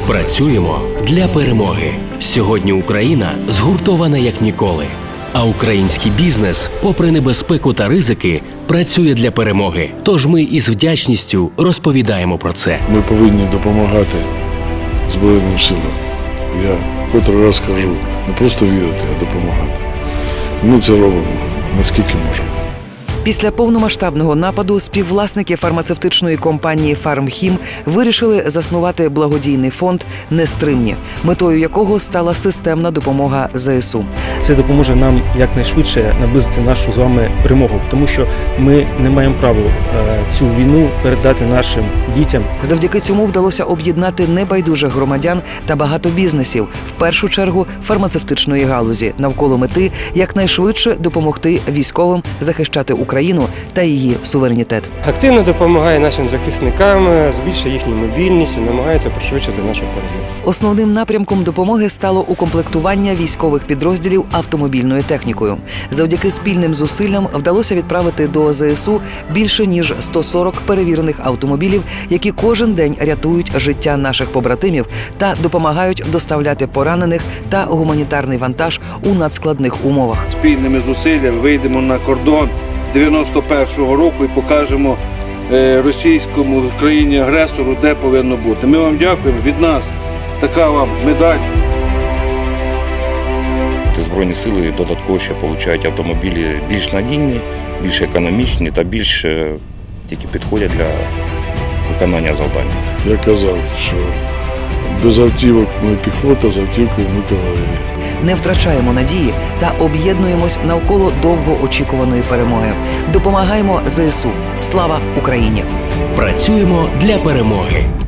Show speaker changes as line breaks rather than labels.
Працюємо для перемоги. Сьогодні Україна згуртована як ніколи. А український бізнес, попри небезпеку та ризики, працює для перемоги. Тож ми із вдячністю розповідаємо про це.
Ми повинні допомагати Збройним силам. Я котрий раз кажу, не просто вірити, а допомагати. Ми це робимо, наскільки можемо.
Після повномасштабного нападу співвласники фармацевтичної компанії «Фармхім» вирішили заснувати благодійний фонд «Нестримні», метою якого стала системна допомога ЗСУ.
Це допоможе нам якнайшвидше наблизити нашу з вами перемогу, тому що ми не маємо права цю війну передати нашим дітям.
Завдяки цьому вдалося об'єднати небайдужих громадян та багато бізнесів, в першу чергу фармацевтичної галузі, навколо мети якнайшвидше допомогти військовим захищати Україну та її суверенітет.
Активно допомагає нашим захисникам, збільшує їхню мобільність і намагається пришвидшити нашу перемогу.
Основним напрямком допомоги стало укомплектування військових підрозділів автомобільною технікою. Завдяки спільним зусиллям вдалося відправити до ЗСУ більше ніж 140 перевірених автомобілів, які кожен день рятують життя наших побратимів та допомагають доставляти поранених та гуманітарний вантаж у надскладних умовах.
Спільними зусиллями вийдемо на кордон 91-го року і покажемо російському країні-агресору, де повинно бути. Ми вам дякуємо, від нас така вам медаль.
Збройні сили додатково ще отримують автомобілі більш надійні, більш економічні та більш тільки підходять для виконання завдань.
Я казав, що без автівок ми піхота, з автівкою ми кавалерія.
Не втрачаємо надії та об'єднуємось навколо довгоочікуваної перемоги. Допомагаємо ЗСУ. Слава Україні!
Працюємо для перемоги.